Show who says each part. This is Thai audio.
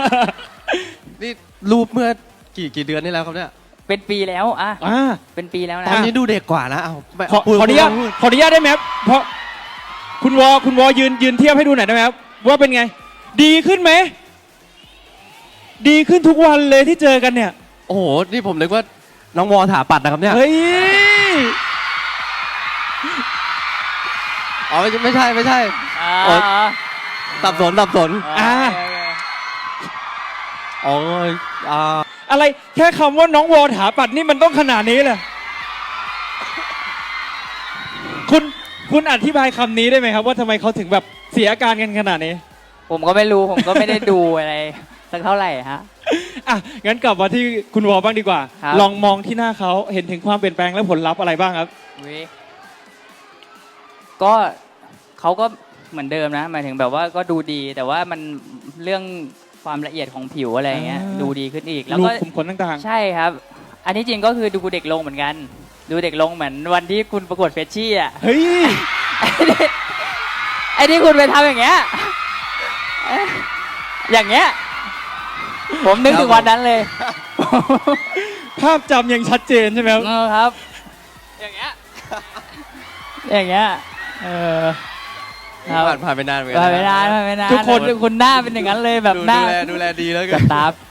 Speaker 1: นี่รูปเมื่อกี่เดือนนี่แล้วครับเนี่ย
Speaker 2: เป็นปีแล้วเป็นปีแล้วนะ
Speaker 1: ตอนนี้ดูเด็กกว่านะเอา
Speaker 3: ขออนุญาตได้ไหมครับเพราะคุณวอยืนเทียบให้ดูหน่อยได้ไหมครับว่าเป็นไง ดีขึ้นไหมดีขึ้นทุกวันเลยที่เจอกันเนี่ย
Speaker 1: โอ้โหนี่ผมนึกว่าน้องวอถาปัดนะครับเนี่ย
Speaker 3: เฮ้ย
Speaker 1: อ๋อไม่ใช่สับสนอ๋อ
Speaker 3: อะไรแค่คำว่าน้องวอถาปัดนี่มันต้องขนาดนี้เลยคุณอธิบายคำนี้ได้ไหมครับว่าทำไมเขาถึงแบบเสียอาการกันขนาดนี้
Speaker 2: ผมก็ไม่รู้ผมก็ไม่ได้ดูอะไรสักเท่าไหร่ฮะ
Speaker 3: งั้นกลับมาที่คุณวอบ้างดีกว่าลองมองที่หน้าเขาเห็นถึงความเปลี่ยนแปลงและผลลัพธ์อะไรบ้างครับ
Speaker 2: ก็เขาก็เหมือนเดิมนะหมายถึงแบบว่าก็ดูดีแต่ว่ามันเรื่องความละเอียดของผิวอะไรเงี้ยดูดีขึ้นอีกแล้วก็
Speaker 3: คุมขนต่าง
Speaker 2: ๆใช่ครับอันนี้จริงก็คือดูเด็กลงเหมือนกันดูเด็กลงเหมือนวันที่คุณประกวดเฟชชี่อ่ะ
Speaker 3: เฮ้ย
Speaker 2: ไอ้ที่คุณไปทำอย่างเงี้ยผมนึกถึงวันนั้นเลย
Speaker 3: ภาพจำยังชัดเจนใช่ไหม
Speaker 2: ครับอย่างเงี้ย
Speaker 1: ผ่านไปนานเหมือนกัน
Speaker 2: ผ่านไปนานทุกคนหน้าเป็นอย่างนั้นเลยแบบหน้า
Speaker 1: ดูแลดีแล้ว
Speaker 2: กันตา